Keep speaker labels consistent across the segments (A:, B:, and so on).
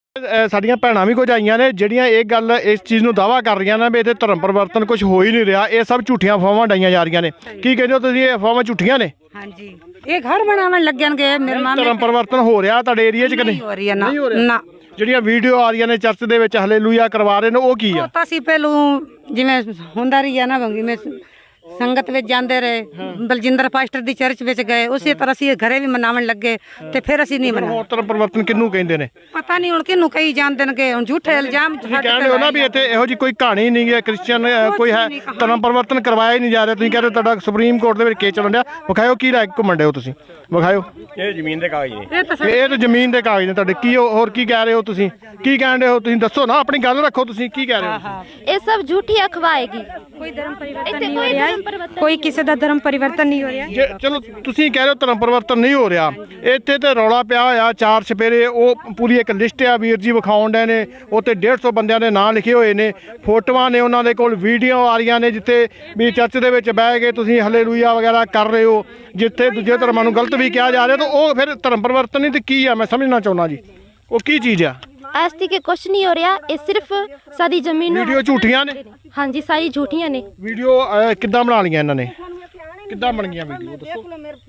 A: ਸਾਡੀਆਂ ਭੈਣਾਂ ਵੀ ਕੁਝ ਆਈਆਂ ਨੇ ਜਿਹੜੀਆਂ ਇਹ ਗੱਲ ਇਸ ਚੀਜ਼ ਨੂੰ ਦਾਅਵਾ ਕਰ ਰਹੀਆਂ ਨੇ ਵੀ ਇੱਥੇ ਧਰਮ ਪਰਿਵਰਤਨ ਕੁਝ ਹੋ ਹੀ ਨਹੀਂ ਰਿਹਾ, ਇਹ ਸਭ ਝੂਠੀਆਂ ਅਫਵਾਹਾਂ ਡਾਈਆਂ ਜਾ ਰਹੀਆਂ ਨੇ। ਕੀ ਕਹਿੰਦੇ ਹੋ ਤੁਸੀਂ, ਇਹ ਅਫਵਾਹਾਂ ਝੂਠੀਆਂ ਨੇ?
B: ਹਾਂਜੀ, ਇਹ ਘਰ ਬਣਾਉਣ ਲੱਗਣਗੇ। ਮੇਰੇ ਮਾਮੇ
A: ਧਰਮ ਪਰਿਵਰਤਨ ਹੋ ਰਿਹਾ ਤੁਹਾਡੇ ਏਰੀਆ 'ਚ ਕਿ ਨਹੀਂ?
B: ਹੋ ਰਹੀ ਹੈ ਨਾ।
A: ਜਿਹੜੀਆਂ ਵੀਡੀਓ ਆ ਰਹੀਆਂ ਨੇ ਚਰਚ ਦੇ ਵਿੱਚ ਹਾਲੇਲੂਇਆ ਕਰਵਾ ਰਹੇ ਨੇ, ਉਹ ਕੀ ਆ?
B: ਤਾਂ ਅਸੀਂ ਪਹਿਲੋਂ ਜਿਵੇਂ ਹੁੰਦਾ ਰਹੀ ਆ ਨਾ, ਜਿਵੇਂ ਸੰਗਤ ਵਿੱਚ ਜਾਂਦੇ ਰਹੇ, ਬਲਜਿੰਦਰ ਪਾਸਟਰ ਦੀ ਚਰਚ ਵਿੱਚ ਗਏ, ਉਸੇ ਤਰ੍ਹਾਂ ਅਸੀਂ ਘਰੇ ਵੀ ਮਨਾਉਣ ਲੱਗੇ ਤੇ ਫਿਰ ਅਸੀਂ ਨਹੀਂ ਮਨਾਇਆ।
A: ਧਰਮ ਪਰਿਵਰਤਨ ਕਿਹਨੂੰ ਕਹਿੰਦੇ ਨੇ
B: ਪਤਾ ਨਹੀਂ ਹੁਣ ਕਿਹਨੂੰ ਕਹੀ ਜਾਂਦੇ ਨੇ, ਹੁਣ ਝੂਠੇ ਇਲਜ਼ਾਮ
A: ਕਹਿੰਦੇ ਹੋ ਨਾ ਵੀ ਇੱਥੇ ਇਹੋ ਜੀ ਕੋਈ ਕਹਾਣੀ ਨਹੀਂ ਹੈ, ਕ੍ਰਿਸਚੀਅਨ ਕੋਈ ਹੈ, ਧਰਮ ਪਰਿਵਰਤਨ ਕਰਵਾਇਆ ਹੀ ਨਹੀਂ ਜਾ ਰਿਹਾ। ਤੁਸੀਂ ਕਹਿੰਦੇ ਤੁਹਾਡਾ ਸੁਪਰੀਮ ਕੋਰਟ ਦੇ ਵਿੱਚ ਕੇਸ ਚੱਲਣ ਡਿਆ, ਵਿਖਾਇਓ ਕੀ ਰਾਇ ਘੁੰਮਣ ਡਏ ਹੋ ਤੁਸੀਂ, ਵਿਖਾਇਓ।
C: ਇਹ ਜ਼ਮੀਨ ਦੇ ਕਾਗਜ਼ ਨੇ,
A: ਇਹ ਤਾਂ ਜ਼ਮੀਨ ਦੇ ਕਾਗਜ਼ ਨੇ ਤੁਹਾਡੇ। ਕੀ ਹੋਰ ਕੀ ਕਹਿ ਰਹੇ ਹੋ ਤੁਸੀਂ, ਕੀ ਕਹਿਣ ਰਹੇ ਹੋ ਤੁਸੀਂ? ਦੱਸੋ ਨਾ, ਆਪਣੀ ਗੱਲ ਰੱਖੋ, ਤੁਸੀਂ ਕੀ ਕਹਿ ਰਹੇ ਹੋ?
D: ਇਹ ਸਭ ਝੂਠੀ ਅਖਵਾ ਹੈਗੀ।
E: ਕੋਈ ਧਰਮ ਪਰਿਵਰਤਨ ਨਹੀਂ ਹੋ ਰਿਹਾ, ਕੋਈ ਕਿਸੇ ਦਾ ਧਰਮ ਪਰਿਵਰਤਨ ਨਹੀਂ ਹੋ ਰਿਹਾ।
A: ਚਲੋ ਤੁਸੀਂ ਕਹਿ ਰਹੇ ਹੋ ਧਰਮ ਪਰਿਵਰਤਨ ਨਹੀਂ ਹੋ ਰਿਹਾ, ਇੱਥੇ ਤੇ ਰੌਲਾ ਪਿਆ ਹੋਇਆ 4 ਚੁਫੇਰੇ, ਉਹ ਪੂਰੀ ਇੱਕ ਲਿਸਟ ਆ ਵੀਰ ਜੀ ਵਿਖਾਉਣ ਡਏ ਨੇ, ਉੱਤੇ 150 ਬੰਦਿਆਂ ਦੇ ਨਾਂ ਲਿਖੇ ਹੋਏ ਨੇ, ਫੋਟੋਆਂ ਨੇ ਉਹਨਾਂ ਦੇ ਕੋਲ, ਵੀਡੀਓ ਆ ਰਹੀਆਂ ਨੇ ਜਿੱਥੇ ਵੀ ਚਰਚ ਦੇ ਵਿੱਚ ਬਹਿ ਕੇ ਤੁਸੀਂ ਹਾਲੇਲੂਇਆ ਵਗੈਰਾ ਕਰ ਰਹੇ ਹੋ, ਜਿੱਥੇ ਦੂਜੇ ਧਰਮਾਂ ਨੂੰ ਗਲਤ ਵੀ ਕਿਹਾ ਜਾ ਰਿਹਾ, ਤਾਂ ਉਹ ਫਿਰ ਧਰਮ ਪਰਿਵਰਤਨ ਨਹੀਂ ਤੇ ਕੀ ਆ? ਮੈਂ ਸਮਝਣਾ ਚਾਹੁੰਦਾ ਜੀ, ਉਹ ਕੀ ਚੀਜ਼ ਆ?
D: ਐਸਟੀ ਕੇ ਕੁਛ ਨਹੀਂ ਹੋ ਰਿਹਾ, ਇਹ ਸਿਰਫ ਸਾਡੀ ਜ਼ਮੀਨ ਨੂੰ।
A: ਵੀਡੀਓ ਝੂਠੀਆਂ ਨੇ?
D: ਹਾਂਜੀ, ਸਾਰੀ ਝੂਠੀਆਂ ਨੇ।
A: ਵੀਡੀਓ ਕਿੱਦਾਂ ਬਣਾ ਲਈਆਂ ਇਹਨਾਂ ਨੇ, ਕਿੱਦਾਂ ਬਣ ਗਈਆਂ ਵੀਡੀਓ? ਦੱਸੋ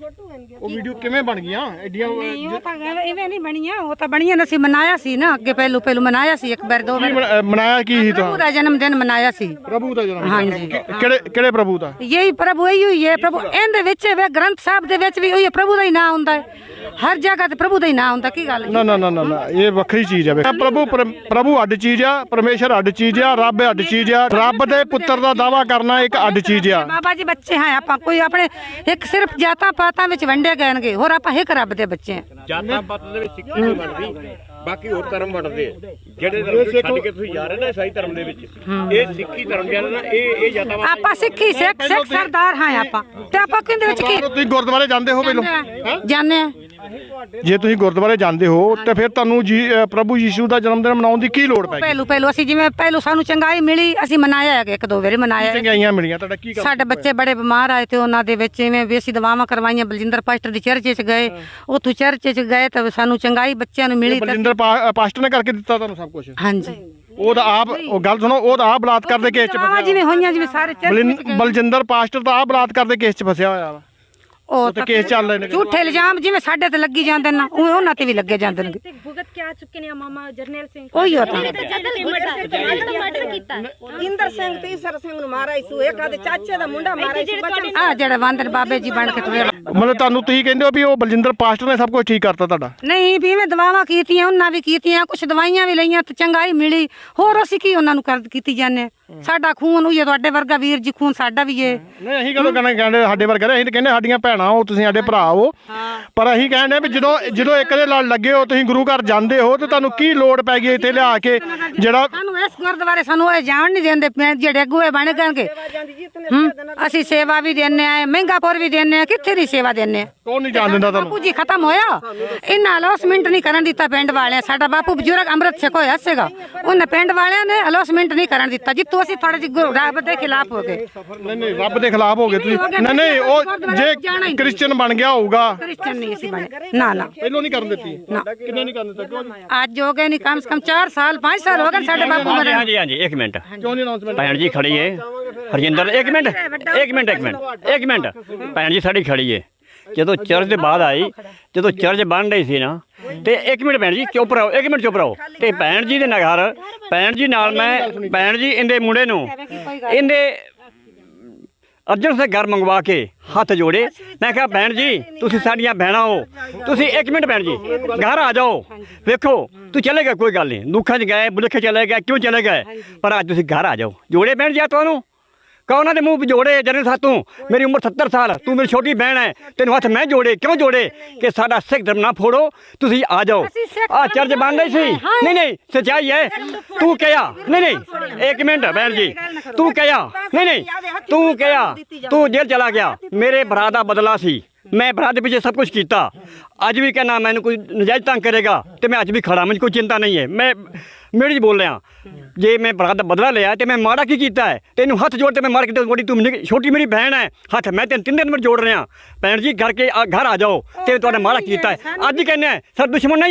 A: ਉਹ ਵੀਡੀਓ ਕਿਵੇਂ ਬਣ ਗਈਆਂ ਐਡੀਆਂ?
B: ਉਹ ਤਾਂ ਇਵੇਂ ਨਹੀਂ ਬਣੀਆਂ, ਉਹ ਤਾਂ ਬਣੀਆਂ ਨੇ। ਅਸੀਂ ਮਨਾਇਆ ਸੀ ਨਾ ਅੱਗੇ, ਪਹਿਲੂ ਮਨਾਇਆ ਸੀ ਇੱਕ ਵਾਰ, 2 ਵਾਰ
A: ਮਨਾਇਆ ਕੀ ਸੀ?
B: ਪ੍ਰਭੂ ਦਾ ਜਨਮ ਦਿਨ ਮਨਾਇਆ ਸੀ।
A: ਪ੍ਰਭੂ ਦਾ ਜਨਮ?
B: ਹਾਂਜੀ।
A: ਕਿਹੜੇ ਪ੍ਰਭੂ ਦਾ?
B: ਯਹੀ ਪ੍ਰਭੂ ਹੀ ਹੈ। ਪ੍ਰਭੂ ਇਹਦੇ ਵਿੱਚ ਵੇ ਗ੍ਰੰਥ ਸਾਹਿਬ ਦੇ ਵਿੱਚ ਵੀ ਉਹੀ ਪ੍ਰਭੂ ਦਾ ਹੀ ਨਾਮ ਹੁੰਦਾ ਹੈ, ਹਰ ਜਗ੍ਹਾ ਤੇ ਪ੍ਰਭੂ ਦਾ ਹੀ ਨਾਮ ਹੁੰਦਾ। ਕੀ ਗੱਲ?
A: ਨਾ ਨਾ ਨਾ ਨਾ, ਇਹ ਵੱਖਰੀ ਚੀਜ਼ ਹੈ। ਪ੍ਰਭੂ ਅੱਡ ਚੀਜ਼ ਆ, ਪਰਮੇਸ਼ਰ ਅੱਡ ਚੀਜ਼ ਆ, ਰੱਬ ਅੱਡ ਚੀਜ਼ ਆ। ਰੱਬ ਦੇ ਪੁੱਤਰ ਦਾ ਦਾਵਾ ਕਰਨਾ ਇੱਕ ਅੱਡ ਚੀਜ਼ ਆ।
B: ਬਾਬਾ ਜੀ ਬੱਚੇ ਹਾਂ ਆਪਾਂ, ਕੋਈ ਆਪਣੇ ਇੱਕ ਸਿਰਫ ਜਾਤਾਂ ਪਾਤਾਂ ਵਿੱਚ ਵੰਡੇ ਗਏ, ਹੋਰ ਆਪਾਂ ਇੱਕ ਰੱਬ ਦੇ ਬੱਚੇ ਹਾਂ।
C: ਜਾਤਾਂ ਪਾਤਾਂ ਦੇ ਵਿੱਚ ਸਿੱਖੀ ਨਹੀਂ ਬਣਦੀ, ਬਾਕੀ ਹੋਰ ਧਰਮ ਵੰਡਦੇ ਆ। ਜਿਹੜੇ ਧਰਮ ਨੂੰ ਛੱਡ ਕੇ ਤੁਸੀਂ ਜਾ ਰਹੇ ਨਾ ਈਸਾਈ ਧਰਮ ਦੇ ਵਿੱਚ, ਇਹ ਸਿੱਖੀ ਧਰਮ ਦੇ ਨਾ, ਇਹ ਜਾਤਾਂ
B: ਆਪਾਂ ਸਿੱਖੀ ਸਿੱਖ ਸਰਦਾਰ ਹਾਂ ਆਪਾਂ, ਤੇ ਆਪਾਂ ਕਿੰਦੇ ਵਿੱਚ ਕੀ?
A: ਤੁਸੀਂ ਗੁਰਦੁਆਰੇ ਜਾਂਦੇ ਹੋ ਪਹਿਲੋਂ?
B: ਜਾਂਦੇ ਆ।
A: ਜੇ ਤੁਸੀਂ ਗੁਰਦੁਆਰੇ ਜਾਂਦੇ ਹੋ ਤੇ ਫਿਰ ਤੁਹਾਨੂੰ ਪ੍ਰਭੂ ਯੀਸ਼ੂ ਦਾ ਜਨਮ ਦਿਨ ਮਨਾਉਣ ਦੀ ਕੀ ਲੋੜ ਪੈ ਗਈ?
B: ਪਹਿਲੂ ਅਸੀਂ ਜਿਵੇਂ ਸਾਨੂੰ ਚੰਗਾਈ ਮਿਲੀ, ਅਸੀਂ ਮਨਾਇਆ ਹੈਗਾ, 1-2 ਵਾਰੀ ਮਨਾਇਆ।
A: ਚੰਗਾਈਆਂ ਮਿਲੀਆਂ, ਤੁਹਾਡਾ ਕੀ ਕੰਮ?
B: ਸਾਡੇ ਬੱਚੇ ਬੜੇ ਬਿਮਾਰ ਆਏ ਤੇ ਉਹਨਾਂ ਦੇ ਵਿੱਚ ਇਵੇਂ ਵੀ ਅਸੀਂ ਦਵਾਵਾਂ ਕਰਵਾਈਆਂ। ਬਲਜਿੰਦਰ ਪਾਸਟਰ ਦੀ ਚਰਚ 'ਚ ਗਏ, ਉੱਥੋਂ ਚਰਚ 'ਚ ਗਏ ਤਾਂ ਸਾਨੂੰ ਚੰਗਾਈ ਬੱਚਿਆਂ ਨੂੰ ਮਿਲੀ।
A: ਬਲਜਿੰਦਰ ਪਾਸਟਰ ਨੇ ਕਰਕੇ ਦਿੱਤਾ ਤੁਹਾਨੂੰ ਸਭ ਕੁਝ?
B: ਹਾਂਜੀ।
A: ਉਹ ਤਾਂ ਆਪ, ਉਹ ਗੱਲ ਸੁਣੋ, ਉਹ ਤਾਂ ਆਪ ਬਲਾਤਕਾਰ ਦੇ ਕੇਸ 'ਚ ਫਸਿਆ।
B: ਜਿਵੇਂ ਹੋਈਆਂ, ਜਿਵੇਂ ਸਾਰੇ
A: ਬਲਜਿੰਦਰ ਪਾਸਟਰ ਤਾਂ ਆਪ ਬਲਾਤਕਾਰ ਦੇ ਕੇਸ 'ਚ ਫਸਿਆ ਹੋਇਆ ਵਾ। ਉਹ ਤਾਂ ਕੇਸ ਚੱਲ ਰਹੇ ਨੇ।
B: ਝੂਠੇ ਇਲਜ਼ਾਮ ਜਿਵੇਂ ਸਾਡੇ ਤੇ ਲੱਗੀ ਜਾਂਦੇ ਨੇ, ਉਹਨਾਂ ਤੇ ਵੀ ਲੱਗੇ ਜਾਂਦੇ ਨੇ।
E: ਭੁਗਤ ਕੇ ਆ ਚੁੱਕੇ ਨੇ ਮਾਮਾ ਜਰਨੈਲ ਸਿੰਘ।
B: ਉਹੀ ਹੋਤਾ
D: ਮਰਡਰ ਕੀਤਾ।
F: ਇੰਦਰ ਸਿੰਘ ਤੇ ਈਸਰ ਸਿੰਘ ਨੂੰ ਮਾਰਿਆ ਸੀ, ਇੱਕ ਆਦੇ ਚਾਚੇ ਦਾ ਮੁੰਡਾ ਮਾਰਿਆ ਸੀ।
B: ਆ ਜਿਹੜਾ ਵਾਂਦਰ ਬਾਬੇ ਜੀ ਬਣ ਕੇ ਤੁਰੇ।
A: ਮਤਲਬ ਤੁਹਾਨੂੰ ਤੁਸੀਂ ਕਹਿੰਦੇ ਹੋ ਵੀ ਉਹ ਬਲਜਿੰਦਰ ਪਾਸਟਰ ਨੇ ਸਭ ਕੁਝ ਠੀਕ ਕਰਤਾ ਤੁਹਾਡਾ?
B: ਨਹੀਂ ਵੀ ਇਵੇਂ ਦਵਾਵਾਂ ਕੀਤੀਆਂ, ਉਹਨਾਂ ਵੀ ਕੀਤੀਆਂ, ਕੁਝ ਦਵਾਈਆਂ ਵੀ ਲਈਆਂ ਤੇ ਚੰਗਾਈ ਮਿਲੀ। ਹੋਰ ਅਸੀਂ ਕੀ ਉਹਨਾਂ ਨੂੰ ਕੀਤੀ ਜਾਂਦੇ? ਸਾਡਾ ਖੂਨ ਹੋਈ, ਤੁਹਾਡੇ ਵਰਗਾ ਵੀਰ ਜੀ ਖੂਨ ਸਾਡਾ ਵੀ ਏ।
A: ਨਹੀਂ, ਅਸੀਂ ਕਦੋਂ ਕਹਿੰਦੇ ਸਾਡੇ ਵਰਗਾ? ਅਸੀਂ ਤਾਂ ਕਹਿੰਦੇ ਸਾਡੀਆਂ ਭੈਣਾਂ ਹੋ, ਤੁਸੀਂ ਸਾਡੇ ਭਰਾ ਹੋ। ਪਰ ਅਸੀਂ ਕਹਿੰਦੇ ਵੀ ਜਦੋਂ ਇੱਕ ਦੇ ਨਾਲ ਲੱਗੇ ਹੋ, ਤੁਸੀਂ ਗੁਰੂ ਘਰ ਜਾਂਦੇ ਹੋ, ਤੇ ਤੁਹਾਨੂੰ ਕੀ ਲੋੜ ਪੈ ਗਈ ਇੱਥੇ ਲਿਆ ਕੇ? ਜਿਹੜਾ
B: ਸਾਨੂੰ ਇਸ ਗੁਰਦੁਆਰੇ ਸਾਨੂੰ ਇਹ ਜਾਣ ਨਹੀਂ ਦਿੰਦੇ, ਜਿਹੜੇ ਅਗੂਏ ਬਣ ਗਏ। ਅਸੀਂ ਸੇਵਾ ਵੀ ਦਿੰਨੇ ਆ, ਮਹਿੰਗਾਪੁਰ ਵੀ ਦਿੰਨੇ ਆ, ਕਿੱਥੇ ਦੀ ਸੇਵਾ ਦਿੰਨੇ ਆ?
A: ਕੌਣ ਨਹੀਂ ਜਾਣ ਦਿੰਦਾ ਤੁਹਾਨੂੰ?
B: ਬਾਪੂ ਜੀ ਖਤਮ ਹੋਇਆ, ਇਹਨਾਂ ਅਲੌਸਮੈਂਟ ਨਹੀਂ ਕਰਨ ਦਿੱਤਾ ਪਿੰਡ ਵਾਲਿਆਂ। ਸਾਡਾ ਬਾਪੂ ਬਜ਼ੁਰਗ ਅੰਮ੍ਰਿਤ ਛਕ ਹੋਇਆ ਸੀਗਾ, ਉਹਨੇ ਪਿੰਡ ਵਾਲਿਆਂ ਨੇ ਅਲੌਸਮੈਂਟ ਨਹੀਂ ਕਰਨ ਦਿੱਤਾ, ਜਿੱਤੋਂ ਅਸੀਂ ਥੋੜਾ ਜਿਹਾ ਰੱਬ ਦੇ ਖਿਲਾਫ ਹੋ ਗਏ।
A: ਨਹੀਂ, ਰੱਬ ਦੇ ਖਿਲਾਫ ਹੋ ਗਏ ਤੁਸੀਂ? ਨਹੀਂ, ਉਹ ਜੇ ਕ੍ਰਿਸਚੀਅਨ ਬਣ ਗਿਆ ਹੋਊਗਾ।
B: ਕ੍ਰਿਸਚੀਅਨ ਨਹੀਂ ਅਸੀਂ ਬਣੇ, ਨਾ ਨਾ,
A: ਪਹਿਲੋਂ ਨਹੀਂ ਕਰਨ ਦਿੱਤੀ? ਕਿੰਨੇ ਨਹੀਂ ਕਰਨ ਦਿੱਤਾ? ਕਿਉਂ ਨਹੀਂ?
B: ਅੱਜ ਹੋ ਗਏ ਨਹੀਂ, ਕਮ ਸੇ ਕਮ 4 ਸਾਲ 5 ਸਾਲ ਹੋ ਗਏ ਸਾਡੇ ਬਾਪੂ ਮਰੇ।
C: ਹਾਂਜੀ ਹਾਂਜੀ, 1 ਮਿੰਟ।
A: ਕਿਉਂ ਨਹੀਂ ਅਨਾਉਂਸਮੈਂਟ?
C: ਭੈਣ ਜੀ ਖੜੀ ਏ ਹਰਜਿੰਦਰ, 1 ਮਿੰਟ। ਭੈਣ ਜੀ ਸਾਡੀ ਖੜੀ ਏ। ਜਦੋਂ ਚਰਚ ਦੇ ਬਾਅਦ ਆਈ, ਜਦੋਂ ਚਰਚ ਬਣ ਰਹੀ ਸੀ ਨਾ, ਤੇ 1 ਮਿੰਟ ਭੈਣ ਜੀ ਚੁੱਪ ਰਹੋ, 1 ਮਿੰਟ ਚੁੱਪ ਰਹੋ। ਤੇ ਭੈਣ ਜੀ ਦੇ ਘਰ, ਭੈਣ ਜੀ ਨਾਲ ਮੈਂ, ਭੈਣ ਜੀ ਇਹਦੇ ਮੁੰਡੇ ਨੂੰ, ਇਹਦੇ ਅਰਜਨ ਸੇ ਘਰ ਮੰਗਵਾ ਕੇ ਹੱਥ ਜੋੜੇ। ਮੈਂ ਕਿਹਾ ਭੈਣ ਜੀ ਤੁਸੀਂ ਸਾਡੀਆਂ ਭੈਣਾਂ ਹੋ, ਤੁਸੀਂ 1 ਮਿੰਟ ਭੈਣ ਜੀ ਘਰ ਆ ਜਾਓ। ਵੇਖੋ ਤੂੰ ਚਲੇ ਗਏ, ਕੋਈ ਗੱਲ ਨਹੀਂ, ਦੁੱਖਾਂ 'ਚ ਗਏ, ਬੁਲੇਖੇ ਚਲੇ ਗਏ, ਕਿਉਂ ਚਲੇ ਗਏ, ਪਰ ਅੱਜ ਤੁਸੀਂ ਘਰ ਆ ਜਾਓ। ਜੋੜੇ ਭੈਣ ਜੀ ਆ ਤੁਹਾਨੂੰ, ਕੌਨਾਂ ਦੇ ਮੂੰਹ ਜੋੜੇ? ਜਨੇ ਸਾਤੋਂ ਮੇਰੀ ਉਮਰ 70 ਸਾਲ, ਤੂੰ ਮੇਰੀ ਛੋਟੀ ਭੈਣ ਹੈ, ਤੈਨੂੰ ਹੱਥ ਮੈਂ ਜੋੜੇ। ਕਿਉਂ ਜੋੜੇ? ਕਿ ਸਾਡਾ ਸਿੱਖ ਧਰਮ ਨਾ ਫੋੜੋ, ਤੁਸੀਂ ਆ ਜਾਓ। ਆ ਚਰਚ ਬਣ ਰਹੀ ਸੀ। ਨਹੀਂ, ਸੱਚਾਈ ਹੈ। ਤੂੰ ਕਿਹਾ ਨਹੀਂ, 1 ਮਿੰਟ ਭੈਣ ਜੀ, ਤੂੰ ਕਿਹਾ ਨਹੀਂ, ਤੂੰ ਕਿਹਾ ਤੂੰ ਜੇਲ੍ਹ ਚਲਾ ਗਿਆ। ਮੇਰੇ ਭਰਾ ਦਾ ਬਦਲਾ ਸੀ, ਮੈਂ ਭਰਾ ਦੇ ਪਿੱਛੇ ਸਭ ਕੁਝ ਕੀਤਾ। ਅੱਜ ਵੀ ਕਹਿਣਾ ਮੈਨੂੰ ਕੋਈ ਨਜਾਇਜ਼ ਤੰਗ ਕਰੇਗਾ ਤੇ ਮੈਂ ਅੱਜ ਵੀ ਖੜਾ, ਮੈਨੂੰ ਕੋਈ ਚਿੰਤਾ ਨਹੀਂ ਹੈ। ਮੈਂ ਮੇਰੀ ਬੋਲ ਰਿਹਾ, ਜੇ ਮੈਂ ਭਰਾ ਦਾ ਬਦਲਾ ਲਿਆ ਤੇ ਮੈਂ ਮਾੜਾ ਕੀ ਕੀਤਾ ਹੈ? ਤੈਨੂੰ ਹੱਥ ਜੋੜ ਤੇ ਮੈਂ ਮਾਰ ਕੇ ਤੂੰ ਛੋਟੀ ਮੇਰੀ ਭੈਣ ਹੈ, ਹੱਥ ਮੈਂ ਤੈਨੂੰ 3 ਦਿਨ ਜੋੜ ਰਿਹਾ। ਭੈਣ ਜੀ ਘਰ ਆ ਜਾਓ, ਤੇ ਤੁਹਾਡਾ ਮਾੜਾ ਕੀਤਾ ਹੈ। ਅੱਜ ਕਹਿੰਦੇ ਸਰ ਦੁਸ਼ਮਣ ਨਹੀਂ ਹੋ,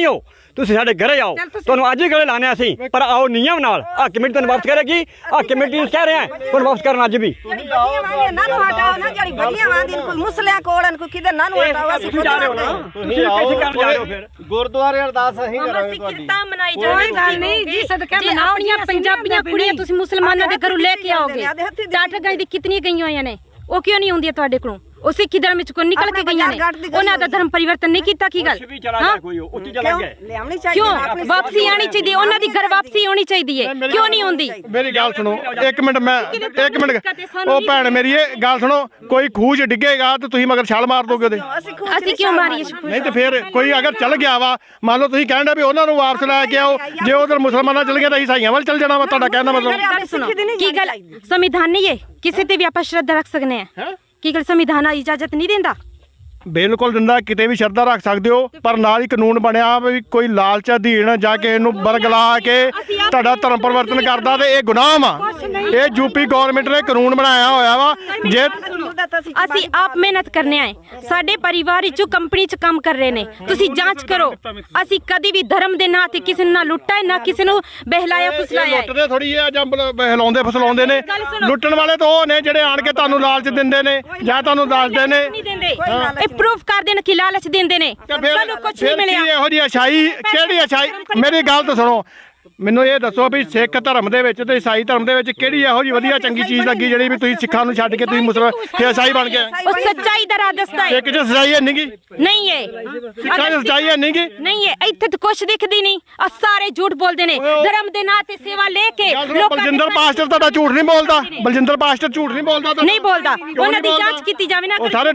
C: ਤੁਸੀਂ ਸਾਡੇ ਘਰੇ ਆਓ, ਤੁਹਾਨੂੰ ਅੱਜ ਹੀ ਗਲੇ ਲਾਣੇ ਅਸੀਂ, ਪਰ ਆਓ ਨਿਯਮ ਨਾਲ। ਆ ਕਮੇਟੀ ਤੁਹਾਨੂੰ ਵਾਪਸ ਕਰੇਗੀ, ਆ ਕਮੇਟੀ ਨੂੰ ਕਹਿ ਰਹੇ ਆ ਤੁਹਾਨੂੰ ਵਾਪਸ ਕਰਨਾ ਅੱਜ ਵੀ।
F: ਜਿਹੜੀ ਬੱਲੀਆਂ ਵਾਂਦੀਆਂ ਨਾ ਨੂੰ ਹਟਾਓ ਨਾ, ਜਿਹੜੀ ਬੱਲੀਆਂ ਵਾਂਦੀਆਂ ਕੋਈ ਮੁਸਲਿਆਂ ਕੋਲ ਕੋਈ ਕਿਤੇ ਨਾ ਨੂੰ ਹਟਾਓ। ਅਸੀਂ
C: ਤੁਸੀਂ ਜਾ ਰਹੇ ਹੋ ਨਾ, ਤੁਸੀਂ ਕਿਸੇ ਕਰਨ ਜਾ ਰਹੇ ਹੋ ਫਿਰ
G: ਗੁਰਦੁਆਰੇ ਅਰਦਾਸ ਅਸੀਂ ਕਰਾਂਗੇ ਤੁਹਾਡੀ।
D: ਤਾਂ ਮਨਾਈ
B: ਕੋਈ
D: ਜਾਵੇ
B: ਗੱਲ ਨਹੀਂ ਜੀ, ਸਦਕਾ ਮਨਾਓ।
D: ਆਪਣੀਆਂ ਪੰਜਾਬੀਆਂ ਕੁੜੀਆਂ ਤੁਸੀਂ ਮੁਸਲਮਾਨਾਂ ਦੇ ਘਰੋਂ ਲੈ ਕੇ ਆਓਗੇ। 8 ਗਾਂ ਦੀ ਕਿਤਨੀ ਗਈਆਂ ਹੋਈਆਂ ਨੇ, ਉਹ ਕਿਉਂ ਨਹੀਂ ਹੁੰਦੀਆਂ ਤੁਹਾਡੇ ਕੋਲੋਂ? ਉਹ ਸਿੱਖੀ ਧਰਮ ਵਿੱਚ ਕੋਈ ਨਿਕਲ ਕੇ ਗਈਆਂ ਨੇ, ਉਹਨਾਂ ਦਾ ਧਰਮ ਪਰਿਵਰਤਨ ਨਹੀਂ ਕੀਤਾ। ਕੀ ਗੱਲ
C: ਕੋਈ ਉੱਚੀ ਚਲਾ ਗਿਆ
F: ਲਿਆਉਣੀ ਚਾਹੀਦੀ।
D: ਕਿਉਂ ਵਾਪਸੀ ਆਣੀ ਚਾਹੀਦੀ? ਉਹਨਾਂ ਦੀ ਘਰ ਵਾਪਸੀ ਹੋਣੀ ਚਾਹੀਦੀ ਹੈ, ਕਿਉਂ ਨਹੀਂ ਹੁੰਦੀ?
A: ਮੇਰੀ ਗੱਲ ਸੁਣੋ ਇੱਕ ਮਿੰਟ, ਇੱਕ ਮਿੰਟ। ਉਹ ਭੈਣ ਮੇਰੀ ਇਹ ਗੱਲ ਸੁਣੋ, ਕੋਈ ਖੂਹ 'ਚ ਡਿੱਗੇਗਾ ਤੇ ਤੁਸੀਂ ਮਗਰ ਛਾਲ ਮਾਰ ਦੋਗੇ ਉਹਦੇ?
D: ਅਸੀਂ ਕਿਉਂ ਮਾਰੀਏ?
A: ਨਹੀਂ ਤੇ ਫਿਰ ਕੋਈ ਅਗਰ ਚੱਲ ਗਿਆ ਵਾ, ਮੰਨ ਲਓ ਤੁਸੀਂ ਕਹਿੰਦੇ ਵੀ ਉਹਨਾਂ ਨੂੰ ਵਾਪਸ ਲੈ ਕੇ ਆਓ, ਜੇ ਉਧਰ ਮੁਸਲਮਾਨਾਂ ਚਲ ਗਿਆ ਤਾਂ ਈਸਾਈਆਂ ਵੱਲ ਚੱਲ ਜਾਣਾ ਵਾ। ਤੁਹਾਡਾ ਕਹਿਣ ਦਾ ਮਤਲਬ
D: ਸੁਣੋ, ਕੀ ਗੱਲ ਸੰਵਿਧਾਨ ਨਹੀਂ ਹੈ ਕਿਸੇ ਤੇ ਵੀ ਆਪਾਂ ਸ਼ਰਧਾ ਰੱਖ ਸਕਨੇ ਆ? ਕੀ ਗੱਲ ਸੰਵਿਧਾਨ ਇਜਾਜ਼ਤ ਨਹੀਂ ਦਿੰਦਾ?
A: ਬਿਲਕੁਲ ਦਿੰਦਾ, ਕਿਤੇ ਵੀ ਸ਼ਰਧਾ ਰੱਖ ਸਕਦੇ ਹੋ, ਪਰ ਨਾਲ ਹੀ ਕਾਨੂੰਨ ਬਣਿਆ ਵੀ ਕੋਈ ਲਾਲਚ ਅਧੀਨ ਜਾ ਕੇ ਇਹਨੂੰ ਬਰਗਲਾ ਕੇ ਤੁਹਾਡਾ ਧਰਮ ਪਰਿਵਰਤਨ ਕਰਦਾ ਤੇ ਇਹ ਗੁਨਾਹ ਵਾ। ਇਹ ਯੂਪੀ ਗਵਰਨਮੈਂਟ ਨੇ ਕਾਨੂੰਨ ਬਣਾਇਆ ਹੋਇਆ ਵਾ। ਜੇ
D: ਅਸੀਂ ਆਪ ਮਿਹਨਤ ਕਰਨੇ ਆਏ, ਸਾਡੇ ਪਰਿਵਾਰ ਵਿੱਚੋਂ ਕੰਪਨੀ 'ਚ ਕੰਮ ਕਰ ਰਹੇ ਨੇ, ਤੁਸੀਂ ਜਾਂਚ ਕਰੋ। ਅਸੀਂ ਕਦੀ ਵੀ ਧਰਮ ਦੇ ਨਾਂ ਤੇ ਕਿਸੇ ਨੂੰ ਨਾ ਲੁੱਟਾ ਹੈ, ਨਾ ਕਿਸੇ ਨੂੰ ਬਹਿਲਾਇਆ ਫੁਸਲਾਇਆ ਹੈ।
A: ਲੁੱਟਦੇ ਥੋੜੀ ਆ ਜਾਂ ਹਿਲਾਉਂਦੇ ਫਸਲਾਉਂਦੇ ਨੇ। ਲੁੱਟਣ ਵਾਲੇ ਤਾਂ ਉਹ ਨੇ ਜਿਹੜੇ ਆਣ ਕੇ ਤੁਹਾਨੂੰ ਲਾਲਚ ਦਿੰਦੇ ਨੇ ਜਾਂ ਤੁਹਾਨੂੰ ਦੱਸਦੇ ਨੇ।
D: ਨਹੀਂ ਦਿੰਦੇ, ਇਹ ਪ੍ਰੂਫ ਕਰ ਦੇਣ ਕਿ ਲਾਲਚ ਦਿੰਦੇ ਨੇ। ਸਾਨੂੰ ਕੁਝ ਨਹੀਂ ਮਿਲਿਆ।
A: ਇਹੋ ਜਿਹੀ ਅਛਾਈ ਕਿਹੜੀ ਅਛਾਈ? ਮੇਰੀ ਗੱਲ ਤਾਂ ਸੁਣੋ, ਮੈਨੂੰ ਇਹ ਦੱਸੋ ਵੀ ਸਿੱਖ ਧਰਮ ਦੇ ਵਿੱਚ ਤੇ ਈਸਾਈ ਧਰਮ ਦੇ ਵਿੱਚ ਕਿਹੜੀ ਇਹੋ ਜਿਹੀ ਵਧੀਆ ਚੰਗੀ ਚੀਜ਼ ਲੱਗੀ ਜਿਹੜੀ ਵੀ ਤੁਸੀਂ ਸਿੱਖਾਂ ਨੂੰ ਛੱਡ ਕੇ ਤੁਸੀਂ ਮੁਸਲਮਾਨ ਤੇ ਈਸਾਈ ਬਣ ਗਏ?
D: ਉਹ ਸੱਚਾਈ ਦਾ ਰਾਹ ਦੱਸਦਾ ਹੈ।
A: ਇੱਕ ਚ ਸੱਚਾਈ ਹੈ ਨਹੀਂਗੀ,
D: ਨਹੀਂ ਹੈ
A: ਸਿੱਖਾਂ ਚ ਸੱਚਾਈ ਹੈ ਨਹੀਂਗੀ।
D: ਨਹੀਂ ਹੈ, ਇੱਥੇ ਤਾਂ ਕੁਛ ਦਿਖਦੀ ਨਹੀਂ। ਆ ਸਾਰੇ ਝੂਠ ਬੋਲਦੇ ਨੇ, ਧਰਮ ਦੇ ਨਾਂ ਤੇ ਸੇਵਾ ਲੈ ਕੇ।
A: ਬਲਜਿੰਦਰ ਪਾਸਟਰ ਤੁਹਾਡਾ ਝੂਠ ਨਹੀਂ ਬੋਲਦਾ? ਬਲਜਿੰਦਰ ਪਾਸਟਰ ਝੂਠ ਨਹੀਂ ਬੋਲਦਾ?
D: ਨਹੀਂ ਬੋਲਦਾ, ਉਹਨਾਂ ਦੀ ਜਾਂਚ ਕੀਤੀ ਜਾਵੇ ਨਾ।
A: ਉਹ ਸਾਰੇ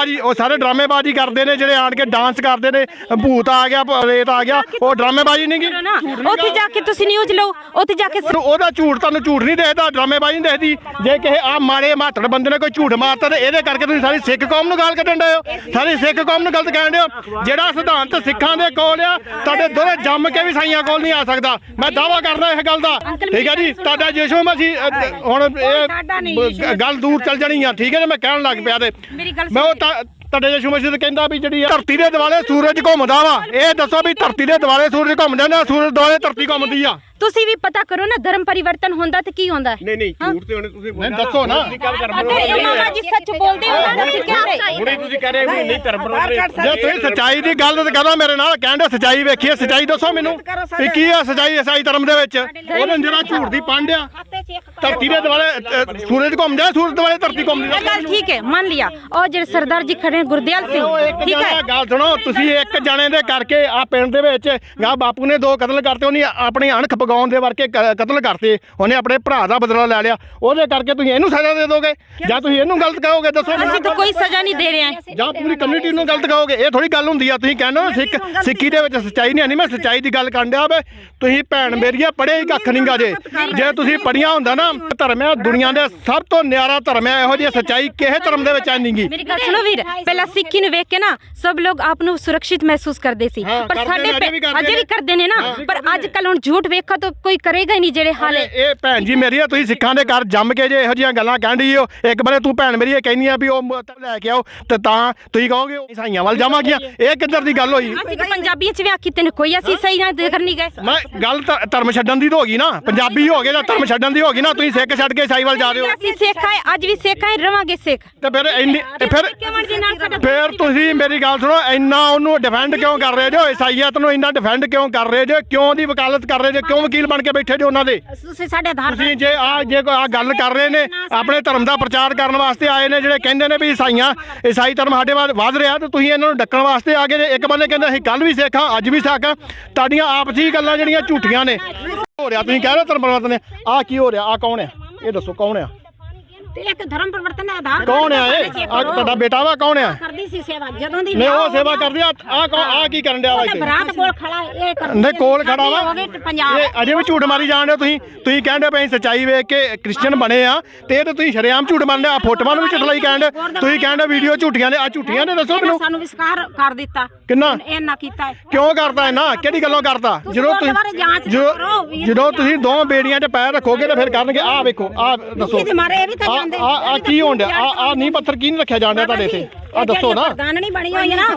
A: ਡਰਾਮੇਬਾਜ਼ੀ ਕਰਦੇ ਨੇ, ਜਿਹੜੇ ਆਣ ਕੇ ਡਾਂਸ ਕਰਦੇ ਨੇ, ਭੂਤ ਆ ਗਿਆ, ਰੇਤ ਆ ਗਿਆ, ਉਹ ਡਰਾਮੇਬਾਜ਼ੀ ਨਹੀਂਗੀ।
D: ਉੱਥੇ ਜਾ ਕੇ ਤੁਸੀਂ ਨਿਊਜ਼ ਲਓ, ਉੱਥੇ ਜਾ ਕੇ
A: ਉਹਦਾ ਝੂਠ ਤੁਹਾਨੂੰ ਝੂਠ ਨਹੀਂ ਦੇਖਦਾ, ਡਰਾਮੇਬਾਜ਼ੀ ਨਹੀਂ ਦੇਖਦੀ। ਜੇ ਕਿਸੇ ਆ ਮਾੜੇ ਮਾਤੜ ਬੰਦੇ ਨੇ ਕੋਈ ਝੂਠ ਮਾਰਤਾ ਤੇ ਇਹਦੇ ਕਰਕੇ ਤੁਸੀਂ ਸਾਰੀ ਸਿੱਖ ਕੌਮ ਨੂੰ ਗਾਲ ਕੱਢਣ ਡਏ ਹੋ, ਸਾਰੀ ਸਿੱਖ ਕੌਮ ਨੂੰ ਗਲਤ ਕਹਿਣ ਡਏ ਹੋ। ਜਿਹੜਾ ਸਿਧਾਂਤ ਸਿੱਖਾਂ ਦੇ ਕੋਲ ਆ, ਤੁਹਾਡੇ ਦੋਰੇ ਜੰਮ ਕੇ ਵੀ ਸਾਈਆਂ ਕੋਲ ਨਹੀਂ ਆ ਸਕਦਾ। ਮੈਂ ਦਾਅਵਾ ਕਰਦਾ ਇਸ ਗੱਲ ਦਾ, ਠੀਕ ਹੈ ਜੀ। ਤੁਹਾਡਾ ਯਿਸੂ ਮਸੀਹ ਹੁਣ ਇਹ ਗੱਲ ਦੂਰ ਚੱਲ ਜਾਣੀ ਆ, ਠੀਕ ਹੈ ਜੀ। ਮੈਂ ਕਹਿਣ ਲੱਗ ਪਿਆ ਤੇ ਮੈਂ ਉਹ ਤੁਹਾਡੇ ਯਿਸੂ ਮਸੀਹ ਕਹਿੰਦਾ ਵੀ ਜਿਹੜੀ ਧਰਤੀ ਦੇ ਦੁਆਲੇ ਸੂਰਜ ਘੁੰਮਦਾ ਵਾ। ਇਹ ਦੱਸੋ ਵੀ ਧਰਤੀ ਦੇ ਦੁਆਲੇ ਸੂਰਜ ਘੁੰਮਦਾ ਨਾ ਸੂਰਜ ਦੁਆਲੇ ਧਰਤੀ ਘੁੰਮਦੀ ਆ?
D: ਤੁਸੀਂ ਵੀ ਪਤਾ ਕਰੋ ਨਾ, ਧਰਮ ਪਰਿਵਰਤਨ ਹੁੰਦਾ ਤੇ ਕੀ ਹੁੰਦਾ?
C: ਨਹੀਂ ਝੂਠ ਤੇ ਉਹਨੇ ਤੁਸੀਂ
A: ਦੱਸੋ ਨਾ।
D: ਅਗਰ ਇਹ ਮਾਮਾ ਜੀ ਸੱਚ ਬੋਲਦੇ ਹੋ ਨਾ, ਅਸੀਂ ਕਹਿੰਦੇ
C: ਹੁਣੇ ਤੁਸੀਂ ਕਹਿ ਰਹੇ ਹੋ ਨਹੀਂ ਧਰਮ ਪਰਿਵਰਤਨ।
A: ਜੇ ਤੁਸੀਂ ਸੱਚਾਈ ਦੀ ਗੱਲ ਤੇ ਕਰੋ ਮੇਰੇ ਨਾਲ, ਕਹਿੰਦੇ ਸੱਚਾਈ ਵੇਖੀਏ, ਸੱਚਾਈ ਦੱਸੋ ਮੈਨੂੰ ਵੀ ਕੀ ਆ ਸੱਚਾਈ ਈਸਾਈ ਧਰਮ ਦੇ ਵਿੱਚ? ਉਹਨੇ ਜਿਹੜਾ ਝੂਠ ਦੀ ਪੰਡ ਆ, ਧਰਤੀ ਦੇ ਦੁਆਲੇ ਸੂਰਜ ਘੁੰਮਦਾ, ਸੂਰਜ ਦੁਆਲੇ ਧਰਤੀ ਘੁੰਮਦੀ।
D: ਇਹ ਗੱਲ ਠੀਕ ਹੈ, ਮੰਨ ਲਿਆ। ਔਰ ਜਿਹੜੇ ਸਰਦਾਰ ਜੀ ਖੜੇ ਗੁਰਦਿਆਲ ਸਿੰਘ, ਠੀਕ ਹੈ।
A: ਗੱਲ ਸੁਣੋ, ਤੁਸੀਂ ਇੱਕ ਜਣੇ ਦੇ ਕਰਕੇ ਆ ਪਿੰਡ ਦੇ ਵਿੱਚ ਗਾ ਬਾਪੂ ਨੇ 2 ਕਤਲ ਕਰਤੇ, ਉਹਨੇ ਆਪਣੀ ਅਣਖ ਪਗਾਉਣ ਦੇ ਵਰਕੇ ਕਤਲ ਕਰਤੇ, ਉਹਨੇ ਆਪਣੇ ਭਰਾ ਦਾ ਬਦਲਾ ਲੈ ਲਿਆ। ਉਹਦੇ ਕਰਕੇ ਤੁਸੀਂ ਇਹਨੂੰ ਸਜ਼ਾ ਦੇ ਦੋਗੇ ਜਾਂ ਤੁਸੀਂ ਇਹਨੂੰ ਗਲਤ ਕਹੋਗੇ? ਦੱਸੋ।
D: ਅਸੀਂ ਤਾਂ ਕੋਈ ਸਜ਼ਾ ਨਹੀਂ ਦੇ ਰਹੇ ਹਾਂ।
A: ਜਾਂ ਪੂਰੀ ਕਮਿਊਨਿਟੀ ਨੂੰ ਗਲਤ ਕਹੋਗੇ? ਇਹ ਥੋੜੀ ਗੱਲ ਹੁੰਦੀ ਆ। ਤੁਸੀਂ ਕਹਿੰਦੇ ਹੋ ਸਿੱਖੀ ਦੇ ਵਿੱਚ ਸੱਚਾਈ ਨਹੀਂ ਆਣੀ। ਮੈਂ ਸੱਚਾਈ ਦੀ ਗੱਲ ਕਰਨ ਡਿਆ ਵੇ। ਤੁਸੀਂ ਭੈਣ ਮੇਰੀਆਂ ਪੜ੍ਹੇ ਹੀ ਕੱਖ ਨਹੀਂਗਾ ਜੇ ਤੁਸੀਂ ਪੜ੍ਹੀਆਂ ਹੁੰਦਾ ਨਾ। ਧਰਮ ਹੈ ਦੁਨੀਆ ਦੇ ਸਭ ਤੋਂ ਨਿਆਰਾ ਧਰਮ ਹੈ, ਇਹੋ ਜਿਹੀ ਸੱਚਾਈ ਕਿਸੇ ਧਰਮ ਦੇ ਵਿੱਚ ਨਹੀਂਗੀ।
D: ਮੇਰੀ ਗੱਲ ਸੁਣੋ ਵੀਰ, ਪਹਿਲਾਂ ਸਿੱਖੀ ਨੂੰ ਵੇਖ ਕੇ ਨਾ ਸਭ ਲੋਕ ਆਪ ਨੂੰ ਸੁਰੱਖਿਅਤ ਮਹਿਸੂਸ ਕਰਦੇ ਸੀ, ਪਰ ਸਾਡੇ ਅਜੇ ਵੀ ਕਰਦੇ ਨੇ ਨਾ। ਪਰ ਅੱਜ ਕੱਲ ਹੁਣ ਝੂਠ ਵੇਖਾ ਤਾਂ ਕੋਈ ਕਰੇਗਾ ਹੀ ਨਹੀਂ ਜਿਹੜੇ ਹਾਲ ਹੈ।
A: ਇਹ ਭੈਣ ਜੀ ਮੇਰੀ ਆ, ਤੁਸੀਂ ਸਿੱਖਾਂ ਦੇ ਘਰ ਜੰਮ ਕੇ ਜੇ ਇਹੋ ਜਿਹੀਆਂ ਗੱਲਾਂ ਕਹਿੰਦੀ ਹੋ, ਇੱਕ ਬਾਰੇ ਤੂੰ ਭੈਣ ਮੇਰੀ ਇਹ ਕਹਿੰਦੀ ਆ ਵੀ ਉਹ ਲੈ ਕੇ ਆਓ ਤੇ ਤਾਂ ਤੁਸੀਂ ਕਹੋਗੇ ਈਸਾਈਆਂ ਵੱਲ ਜਾਵਾਂਗੀਆਂ। ਇਹ ਕਿੱਧਰ ਦੀ ਗੱਲ ਹੋਈ?
D: ਅਸੀਂ ਤਾਂ ਪੰਜਾਬੀਆਂ ਚ ਵਿਆਹ ਕੀਤੇ ਨੇ, ਕੋਈ ਅਸੀਂ ਸਹੀ ਨਾ ਕਰਨੀ ਗਏ।
A: ਮੈਂ ਗੱਲ ਧਰਮ ਛੱਡਣ ਦੀ ਤਾਂ ਹੋ ਗਈ ਨਾ, ਪੰਜਾਬੀ ਹੋ ਗਏ ਤਾਂ ਧਰਮ ਛੱਡਣ ਦੀ ਹੋ ਗਈ ਨਾ। ਤੁਸੀਂ ਸਿੱਖ ਛੱਡ ਕੇ ਈਸਾਈ ਵੱਲ ਜਾ ਰਹੇ ਹੋ।
D: ਅਸੀਂ ਸਿੱਖ ਆਏ, ਅੱਜ ਵੀ ਸਿੱਖ ਆਏ, ਰਵਾਂਗੇ ਸਿੱਖ।
A: ਤੇ ਫਿਰ ਤੁਸੀਂ ਮੇਰੀ ਗੱਲ ਸੁਣੋ, ਇੰਨਾ ਉਹਨੂੰ ਡਿਫੈਂਡ ਕਿਉਂ ਕਰ ਰਹੇ ਜੋ? ਈਸਾਈਅਤ ਨੂੰ ਇੰਨਾ ਡਿਫੈਂਡ ਕਿਉਂ ਕਰ ਰਹੇ ਜੋ? ਕਿਉਂ ਉਹਦੀ ਵਕਾਲਤ ਕਰ ਰਹੇ ਜੋ? ਕਿਉਂ ਵਕੀਲ ਬਣ ਕੇ ਬੈਠੇ ਜੋ ਉਹਨਾਂ ਦੇ?
B: ਤੁਸੀਂ ਸਾਡੇ ਆਧਾਰ
A: ਤੁਸੀਂ ਜੇ ਕੋਈ ਆ ਗੱਲ ਕਰ ਰਹੇ ਨੇ, ਆਪਣੇ ਧਰਮ ਦਾ ਪ੍ਰਚਾਰ ਕਰਨ ਵਾਸਤੇ ਆਏ ਨੇ, ਜਿਹੜੇ ਕਹਿੰਦੇ ਨੇ ਵੀ ਈਸਾਈ ਧਰਮ ਸਾਡੇ ਵੱਧ ਰਿਹਾ, ਤੇ ਤੁਸੀਂ ਇਹਨਾਂ ਨੂੰ ਡੱਕਣ ਵਾਸਤੇ ਆ ਗਏ। ਇੱਕ ਬੰਦੇ ਕਹਿੰਦੇ ਅਸੀਂ ਕੱਲ ਵੀ ਸਿੱਖ ਹਾਂ, ਅੱਜ ਵੀ ਸਿੱਖ ਹਾਂ। ਤੁਹਾਡੀਆਂ ਆਪਸੀ ਗੱਲਾਂ ਜਿਹੜੀਆਂ ਝੂਠੀਆਂ ਨੇ ਹੋ ਰਿਹਾ। ਤੁਸੀਂ ਕਹਿ ਰਹੇ ਧਰਮ ਪਰਿਵਰਤਨ ਆ ਕੀ ਹੋ ਰਿਹਾ? ਆ ਕੌਣ ਆ? ਇਹ ਦੱਸੋ ਕੌਣ ਆ?
B: ਤੇ ਇੱਕ ਧਰਮ ਪਰਿਵਰਤਨ ਦਾ ਆਧਾਰ
A: ਕੌਣ ਆ ਇਹ? ਆ ਤੁਹਾਡਾ ਬੇਟਾ ਵਾ? ਕੌਣ ਆ?
B: ਕਰਦੀ ਸੀ ਸੇਵਾ ਜਦੋਂ ਦੀ
A: ਨਹੀਂ ਉਹ ਸੇਵਾ ਕਰਦੀ ਆ। ਆ ਕੀ ਕਰਨ ਡਿਆ ਵਾ ਇੱਥੇ?
B: ਬਰਾਤ ਕੋਲ ਖੜਾ ਇਹ ਕਰ
A: ਨਹੀਂ ਕੋਲ ਖੜਾ ਵਾ।
B: ਹੋ ਗਏ ਪੰਜਾਬ
A: ਇਹ ਅਜੇ ਵੀ ਝੂਠ ਮਾਰੀ ਜਾਣ ਡਏ ਤੁਸੀਂ ਕਹਿੰਦੇ ਪਏ ਸੱਚਾਈ ਵੇਖ ਕੇ ਕ੍ਰਿਸਚੀਅਨ ਬਣੇ ਆ, ਤੇ ਇਹ ਤੇ ਤੁਸੀਂ ਸ਼ਰੇਆਮ ਝੂਠ ਮੰਨਦੇ ਆ। ਫੋਟੋਆਂ ਨੂੰ ਵੀ ਝੂਠ ਲਈ ਕਹਿੰਦੇ, ਤੁਸੀਂ ਕਹਿੰਦੇ ਵੀਡੀਓ ਝੂਠੀਆਂ ਨੇ। ਆ ਝੂਠੀਆਂ ਨੇ? ਦੱਸੋ ਮੈਨੂੰ।
B: ਸਾਨੂੰ ਵਿਸਕਾਰ ਕਰ ਦਿੱਤਾ
A: ਕਿੰਨਾ?
B: ਇਹ ਨਾ ਕੀਤਾ
A: ਕਿਉਂ ਕਰਦਾ? ਨਾ ਕਿਹੜੀ ਗੱਲੋਂ ਕਰਦਾ? ਜਦੋਂ ਤੁਸੀਂ ਜਦੋਂ ਤੁਸੀਂ ਦੋ ਬੇੜੀਆਂ 'ਚ ਪੈਰ ਰੱਖੋਗੇ ਤਾਂ ਫਿਰ ਕਰਨਗੇ। ਆਹ ਵੇਖੋ, ਆਹ ਦੱਸੋ ਆ ਕੀ ਹੋਣ ਡਿਆ? ਆ ਨੀਂਹ ਪੱਥਰ ਕੀ ਨਹੀਂ ਰੱਖਿਆ ਜਾਣ ਡਿਆ ਤੁਹਾਡੇ ਇੱਥੇ? ਆ ਦੱਸੋ ਨਾ।
F: ਨਹੀਂ ਬਣੀ ਹੋਈ ਨਾ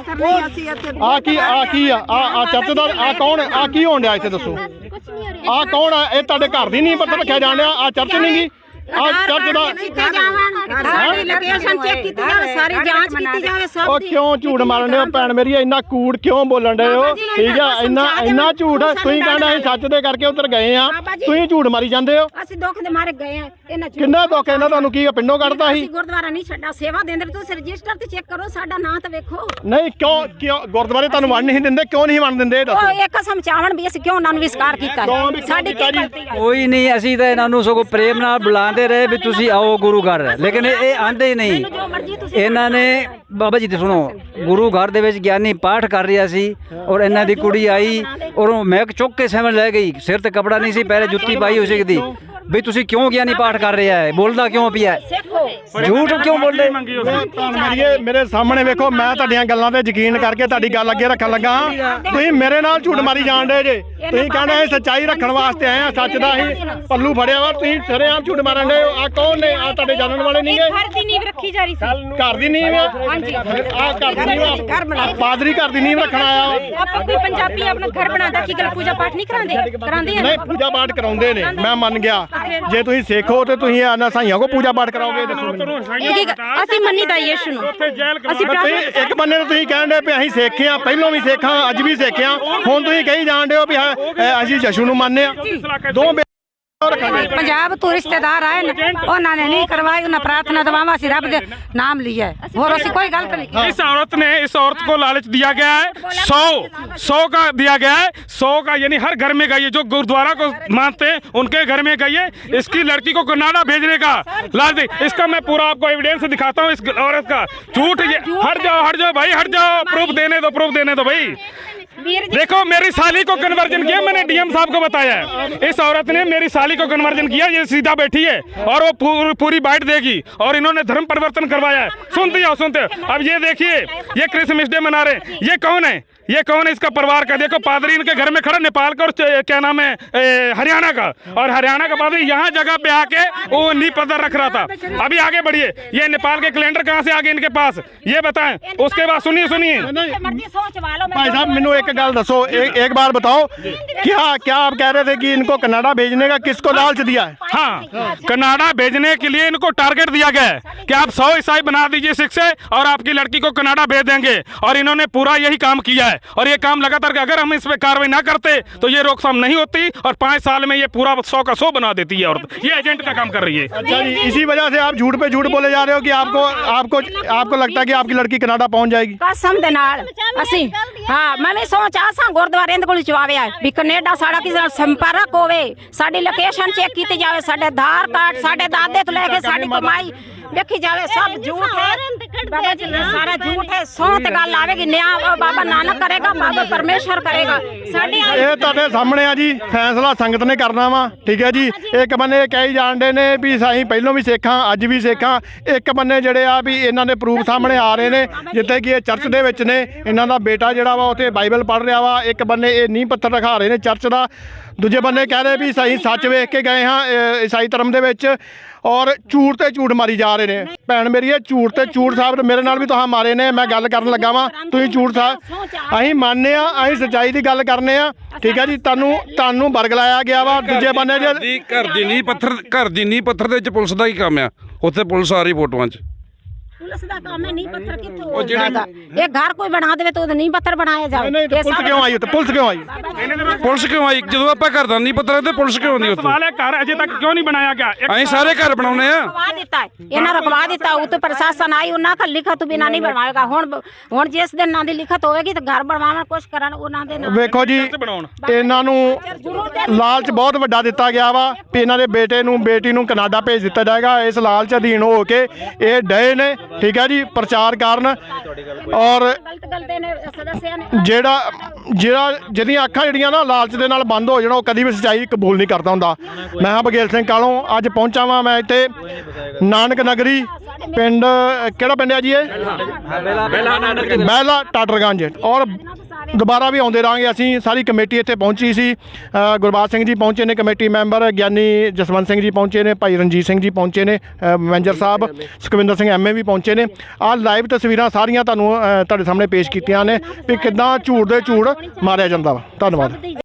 A: ਆ ਕੀ ਆ ਚਰਚ ਦਾ ਆ ਕੌਣ ਹੈ? ਆ ਕੀ ਹੋਣ ਡਿਆ ਇੱਥੇ ਦੱਸੋ? ਆ ਕੌਣ ਆ? ਇਹ ਤੁਹਾਡੇ ਘਰ ਦੀ ਨੀਂਹ ਪੱਥਰ ਰੱਖਿਆ ਜਾਣ ਡਿਆ? ਆ ਚਰਚ ਨਹੀਂ ਗੀ? ਆ ਚਰਚ ਦਾ
F: ਸਾਰੀ ਲੋਕੇਸ਼ਨ ਚੈੱਕ ਕੀਤੀ ਜਾਵੇ, ਸਾਰੀ ਜਾਂਚ ਕੀਤੀ ਜਾਵੇ ਸਭ
A: ਉਹ ਕਿਉਂ ਝੂਠ ਮਾਰਨ ਦੇ ਹੋ ਭੈਣ ਮੇਰੀ? ਇੰਨਾ ਕੂੜ ਕਿਉਂ ਬੋਲਣ ਦੇ ਹੋ? ਠੀਕ ਆ, ਇੰਨਾ ਝੂਠ। ਤੁਸੀਂ ਕਹਿੰਦਾ ਅਸੀਂ ਸੱਚ ਦੇ ਕਰਕੇ ਉੱਧਰ ਗਏ ਆ, ਤੁਸੀਂ ਝੂਠ ਮਾਰੀ ਜਾਂਦੇ ਹੋ।
F: ਅਸੀਂ ਦੁੱਖ ਦੇ ਮਾਰੇ ਗਏ ਆ। ਇਹਨਾਂ
A: ਕਿੰਨਾ ਦੁੱਖ ਇਹਨਾਂ ਤੁਹਾਨੂੰ? ਕੀ ਪਿੰਡੋਂ ਕੱਢਦਾ ਸੀ?
F: ਗੁਰਦੁਆਰਾ ਨਹੀਂ ਛੱਡਾ, ਸੇਵਾ ਦਿੰਦੇ। ਤੁਸੀਂ ਰਜਿਸਟਰ ਤੇ ਚੈੱਕ ਕਰੋ, ਸਾਡਾ ਨਾਂ ਤਾਂ ਵੇਖੋ।
A: ਨਹੀਂ ਕਿਉਂ ਗੁਰਦੁਆਰੇ ਤੁਹਾਨੂੰ ਵੰਡ ਨਹੀਂ ਦਿੰਦੇ? ਕਿਉਂ ਨਹੀਂ ਵੰਡ ਦਿੰਦੇ? ਦੱਸੋ।
F: ਉਹ ਇੱਕ ਸਮਝਾਵਣ ਵੀ ਅਸੀਂ ਕਿਉਂ ਉਹਨਾਂ ਨੂੰ ਵਿਸਕਾਰ ਕੀਤਾ? ਸਾਡੀ ਕੀ ਗਲਤੀ ਹੈ?
H: ਕੋਈ ਨਹੀਂ, ਅਸੀਂ ਤਾਂ ਇਹਨਾਂ ਨੂੰ ਸਗੋਂ ਪ੍ਰੇਮ ਨਾਲ ਬੁਲਾਉਂਦੇ ਰਹੇ ਵੀ ਤੁਸੀਂ ਆਓ ਗੁਰੂ ਘਰ, ਲੇਕਿਨ ਇਹ ਆਂਦੇ ਹੀ ਨਹੀਂ। ਇਹਨਾਂ ਨੇ ਬਾਬਾ ਜੀ ਤੇ ਸੁਣੋ, ਗੁਰੂ ਘਰ ਦੇ ਵਿੱਚ ਗਿਆਨੀ ਪਾਠ ਕਰ ਰਿਹਾ ਸੀ ਔਰ ਇਹਨਾਂ ਦੀ ਕੁੜੀ ਆਈ ਔਰ ਉਹ ਮੈਕ ਚੁੱਕ ਕੇ ਸਮਝ ਲੈ ਗਈ। ਸਿਰ ਤੇ ਕਪੜਾ ਨਹੀਂ ਸੀ, ਪੈਰੇ ਜੁੱਤੀ ਪਾਈ ਹੋਈ ਸੀ। ਵੀ ਤੁਸੀਂ ਕਿਉਂ ਗਿਆਨੀ ਪਾਠ ਕਰ ਰਿਹਾ ਹੈ? ਬੋਲਦਾ ਕਿਉਂ ਪਿਆ? ਝੂਠ ਕਿਉਂ ਬੋਲਦੇ?
A: ਮੇਰੇ ਸਾਹਮਣੇ ਵੇਖੋ, ਮੈਂ ਤੁਹਾਡੀਆਂ ਗੱਲਾਂ ਤੇ ਯਕੀਨ ਕਰਕੇ ਤੁਹਾਡੀ ਗੱਲ ਅੱਗੇ ਰੱਖਣ ਲੱਗਾ। ਤੁਸੀਂ ਮੇਰੇ ਨਾਲ ਝੂਠ ਮਾਰੀ ਜਾਣ ਡੇ ਜੇ। ਤੁਸੀਂ ਕਹਿੰਦੇ ਅਸੀਂ ਸੱਚਾਈ ਰੱਖਣ ਵਾਸਤੇ ਆਏ ਆ, ਸੱਚ ਦਾ ਅਸੀਂ ਪੱਲੂ ਫੜਿਆ ਵਾ। ਤੁਸੀਂ ਸਰੇਆਮ ਝੂਠ ਮਾਰਨ ਡੇ। ਆ ਕੌਣ ਨੇ? ਆ ਤੁਹਾਡੇ ਜਾਣਨ ਵਾਲੇ ਨਹੀਂ ਗੇ?
D: ਘਰ ਦੀ ਨੀਂਹ ਰੱਖੀ ਜਾ ਰਹੀ ਸੀ।
A: ਘਰ ਦੀ ਨੀਂਹ? ਹਾਂਜੀ, ਆ ਘਰ ਦੀ ਨੀਂਹ। ਪਾਦਰੀ ਘਰ ਦੀ ਨੀਂਹ ਰੱਖਣ ਆਇਆ।
D: ਆਪਾਂ ਕੋਈ ਪੰਜਾਬੀ ਆਪਣਾ ਘਰ ਬਣਾਉਂਦਾ ਕੀ ਗੱਲ ਪੂਜਾ ਪਾਠ ਨਹੀਂ ਕਰਾਉਂਦੇ?
A: ਨਹੀਂ, ਪੂਜਾ ਪਾਠ ਕਰਾਉਂਦੇ ਨੇ, ਮੈਂ ਮੰਨ ਗਿਆ। ਜੇ ਤੁਸੀਂ ਸਿੱਖ ਹੋ ਤੇ ਤੁਸੀਂ ਇਹਨਾਂ ਸਾਈਆਂ ਕੋ ਪੂਜਾ ਪਾਠ ਕਰਾਓਗੇ? ਦੱਸੋ ਮੈਨੂੰ।
D: ਅਸੀਂ ਮੰਨੀਦਾ ਯਿਸੂ ਨੂੰ। ਅਸੀਂ
A: ਇੱਕ ਬੰਨੇ ਨੂੰ ਤੁਸੀਂ ਕਹਿਣ ਦੇ ਵੀ ਅਸੀਂ ਸਿੱਖ ਆ, ਪਹਿਲਾਂ ਵੀ ਸਿੱਖ ਆ, ਅੱਜ ਵੀ ਸਿੱਖ ਆ। ਹੁਣ ਤੁਸੀਂ ਕਹੀ ਜਾਣ ਦੇ ਹੋ ਵੀ ਅਸੀਂ ਯਿਸੂ ਨੂੰ ਮੰਨਦੇ ਆ। ਦੋ
B: ਪੰਜਾਬ ਤੋਂ ਰਿਸ਼ਤੇਦਾਰ ਆਏ ਨੇ, ਉਹਨਾਂ ਨੇ नहीं करवाई, उन्हें प्रार्थना दवावा से रब दे नाम लिया है और ऐसी कोई गलत नहीं की।
I: इस औरत को लालच दिया गया है 100 का दिया गया है, 100 का, यानी हर घर में गई है। जो गुरुद्वारा को मानते हैं उनके घर में गई है। इसकी लड़की को कनाडा भेजने का लालच। इसका मैं पूरा आपको एविडेंस दिखाता हूँ इस औरत का। झूठ। हट जाओ भाई, हट जाओ। प्रूफ देने दो भाई। देखो, मेरी साली को कन्वर्जन किया, मैंने डीएम साहब को बताया है। इस औरत ने मेरी साली को कन्वर्जन किया। ये सीधा बैठी है और वो पूरी बाइट देगी और इन्होंने धर्म परिवर्तन करवाया है। सुनते हो। अब ये देखिए, ये क्रिसमस डे मना रहे हैं। ये कौन है? इसका परिवार का देखो। पादरी इनके घर में खड़ा, नेपाल का और क्या नाम है, हरियाणा का। और हरियाणा का पादरी यहाँ जगह पे आके वो नींव पत्थर रख रहा था। अभी आगे बढ़िए, ये नेपाल के कैलेंडर कहाँ से आ गए इनके पास, ये बताएं। उसके बाद सुनिए
A: भाई साहब, मैनू एक गल दसो, एक बार बताओ, क्या आप कह रहे थे कि इनको कनाडा भेजने का किसको लालच दिया है?
I: हाँ, कनाडा भेजने के लिए इनको टारगेट दिया गया है कि आप 100 ईसाई बना दीजिए सिख से और आपकी लड़की को कनाडा भेज देंगे। और इन्होंने पूरा यही काम किया है और ये काम लगातार, अगर हम इस पे कार्रवाई ना करते तो ये रोकथाम नहीं होती और 5 साल में ये पूरा 100 का 100 बना देती है। और ये एजेंट का काम कर रही है।
A: अच्छा जी, इसी वजह से आप झूठ पे झूठ बोले जा रहे हो कि आपको लगता है कि आपकी लड़की कनाडा पहुंच जाएगी?
F: कसम दे नाल ਅਸੀਂ ਹਾਂ ਮੈਂ ਵੀ ਸੋਚ ਆਸਾਂ ਗੁਰਦੁਆਰੇ ਦੇ ਕੋਲ ਚਵਾਵੇ ਆ ਵੀ ਕੈਨੇਡਾ ਸਾਡਾ ਕਿਸੇ ਨਾਲ ਸੰਪਰਕ ਹੋਵੇ, ਸਾਡੀ ਲੋਕੇਸ਼ਨ ਚੈੱਕ ਕੀਤੀ ਜਾਵੇ, ਸਾਡੇ ਆਧਾਰ ਕਾਰਡ, ਸਾਡੇ ਦਾਦੇ ਤੋਂ ਲੈ ਕੇ ਸਾਡੀ ਕਮਾਈ ਵੇਖੀ ਜਾਵੇ। सब झूठ है बाबा जी, सारा झूठ है। 100 ਤੇ ਗੱਲ ਆਵੇਗੀ, ਨਿਆਂ ਬਾਬਾ ਨਾਨਕ ਕਰੇਗਾ, ਬਾਬਾ ਪਰਮੇਸ਼ਰ ਕਰੇਗਾ। ਸਾਡੇ
A: ਇਹ ਤੁਹਾਡੇ ਸਾਹਮਣੇ ਆ ਜੀ, ਫੈਸਲਾ ਸੰਗਤ ਨੇ ਕਰਨਾ ਵਾ। ਠੀਕ ਹੈ ਜੀ। ਇੱਕ ਬੰਨੇ ਇਹ ਕਹੀ ਜਾਣਦੇ ਨੇ ਵੀ ਅਸੀਂ ਪਹਿਲਾਂ ਵੀ ਸਿੱਖਾਂ, ਅੱਜ ਵੀ ਸਿੱਖਾਂ। ਇੱਕ ਬੰਨੇ ਜਿਹੜੇ ਆ ਵੀ ਇਹਨਾਂ ਦੇ ਪ੍ਰੂਫ ਸਾਹਮਣੇ ਆ ਰਹੇ ਨੇ, ਜਿੱਥੇ ਕਿ ਇਹ ਚਰਚ ਦੇ ਵਿੱਚ ਨੇ, ਇਹਨਾਂ ਦਾ ਬੇਟਾ ਜਿਹੜਾ ਵਾ ਉੱਥੇ ਬਾਈਬਲ ਪੜ੍ਹ ਰਿਹਾ ਵਾ। ਇੱਕ ਬੰਨੇ ਇਹ ਨੀਂਹ ਪੱਥਰ ਦਿਖਾ ਰਹੇ ਨੇ ਚਰਚ ਦਾ, ਦੂਜੇ ਬੰਨੇ ਕਹਿ ਰਹੇ ਵੀ ਅਸੀਂ ਸੱਚ ਵੇਖ ਕੇ ਗਏ ਹਾਂ ਈਸਾਈ ਧਰਮ ਦੇ ਵਿੱਚ। ਔਰ ਝੂਠ ਤੇ ਝੂਠ ਮਾਰੀ ਜਾ ਰਹੇ ਨੇ। ਭੈਣ ਮੇਰੀ, ਇਹ ਝੂਠ ਤੇ ਝੂਠ ਸਾਹਿਬ ਮੇਰੇ ਨਾਲ ਵੀ ਤੁਹਾਂ ਮਾਰੇ ਨੇ। ਮੈਂ ਗੱਲ ਕਰਨ ਲੱਗਾ ਵਾਂ, ਤੁਸੀਂ ਝੂਠ ਸਾਹਿਬ, ਅਸੀਂ ਮੰਨਦੇ ਆ, ਅਸੀਂ ਸੱਚਾਈ ਦੀ ਗੱਲ ਕਰਨੇ ਆ। ਠੀਕ ਹੈ ਜੀ। ਤੁਹਾਨੂੰ ਬਰਗਲਾਇਆ ਗਿਆ ਵਾ। ਦੂਜੇ ਬੰਨੇ
J: ਘਰ ਦੀ ਨੀਂਹ ਪੱਥਰ ਦੇ ਵਿੱਚ ਪੁਲਿਸ ਦਾ ਹੀ ਕੰਮ ਆ। ਉੱਥੇ ਪੁਲਿਸ ਆ ਰਹੀ ਫੋਟੋਆਂ 'ਚ।
F: पुलिस दा काम है, नींव पत्थर कित्थों हो जाएगा? एक घर कोई बना देवे तो नींव पत्थर बनाया जाए।
A: नहीं, पुलिस क्यों आई? पुलिस क्यों आई? ਜਦੋਂ ਆਪਾਂ ਘਰ ਦਾ ਨੀਂਹ ਪੱਥਰ ਤੇ ਪੁਲਿਸ ਕਿਉਂ ਨਹੀਂ ਉੱਥੇ?
I: सवाल है, घर अजय तक क्यों नहीं बनाया गया?
J: ਅਸੀਂ ਸਾਰੇ ਘਰ ਬਣਾਉਨੇ ਆ।
F: रखवा देता है, इन्हें रखवा देता है। उत्ते प्रशासन आई, उन्हें का लिखत तो बिना नहीं बनवाएगा। हुण जिस दिन ना दी लिखत होगी तो घर बनवाना कुछ करन उन्हां दे ना।
A: ਵੇਖੋ ਜੀ, ਇਹਨਾਂ ਨੂੰ ਲਾਲਚ ਬਹੁਤ ਵੱਡਾ ਦਿੱਤਾ ਗਿਆ ਵਾ ਵੀ ਇਹਨਾਂ ਦੇ ਬੇਟੇ ਨੂੰ, ਬੇਟੀ ਨੂੰ ਕਨਾਡਾ ਭੇਜ ਦਿੱਤਾ ਜਾਏਗਾ। ਇਸ ਲਾਲਚ ਅਧੀਨ ਹੋ ਕੇ ਇਹ ਡਏ ਨੇ। ਠੀਕ ਹੈ ਜੀ, ਪ੍ਰਚਾਰ ਕਰਨ। ਔਰ ਜਿਹਦੀਆਂ ਅੱਖਾਂ ਜਿਹੜੀਆਂ ਨਾ ਲਾਲਚ ਦੇ ਨਾਲ ਬੰਦ ਹੋ ਜਾਣਾ, ਉਹ ਕਦੀ ਵੀ ਸੱਚਾਈ ਕਬੂਲ ਨਹੀਂ ਕਰਦਾ ਹੁੰਦਾ। ਮੈਂ ਹਾਂ ਬਗੇਲ ਸਿੰਘ ਕਾਲੋਂ, ਅੱਜ ਪਹੁੰਚਾ ਵਾਂ ਮੈਂ ਇੱਥੇ ਨਾਨਕ ਨਗਰੀ ਪਿੰਡ। ਕਿਹੜਾ ਪਿੰਡ ਹੈ ਜੀ ਇਹ? ਬਹਿਲਾ ਟਾਟਰਗੰਜ। ਔਰ ਦੁਬਾਰਾ ਵੀ ਆਉਂਦੇ ਰਹਾਂਗੇ। ਅਸੀਂ ਸਾਰੀ ਕਮੇਟੀ ਇੱਥੇ ਪਹੁੰਚੀ ਸੀ। ਗੁਰਬਾਜ ਸਿੰਘ ਜੀ ਪਹੁੰਚੇ ਨੇ, ਕਮੇਟੀ ਮੈਂਬਰ ਗਿਆਨੀ ਜਸਵੰਤ ਸਿੰਘ ਜੀ ਪਹੁੰਚੇ ਨੇ, ਭਾਈ ਰਣਜੀਤ ਸਿੰਘ ਜੀ ਪਹੁੰਚੇ ਨੇ, ਮੈਨੇਜਰ ਸਾਹਿਬ ਸੁਖਵਿੰਦਰ ਸਿੰਘ ਐਮਏ ਵੀ ਪਹੁੰਚੇ ਨੇ। ਆਹ ਲਾਈਵ ਤਸਵੀਰਾਂ ਸਾਰੀਆਂ ਤੁਹਾਨੂੰ ਤੁਹਾਡੇ ਸਾਹਮਣੇ ਪੇਸ਼ ਕੀਤੀਆਂ ਨੇ ਵੀ ਕਿੱਦਾਂ ਝੂਠ ਦੇ ਝੂਠ ਮਾਰਿਆ ਜਾਂਦਾ ਵਾ। ਧੰਨਵਾਦ।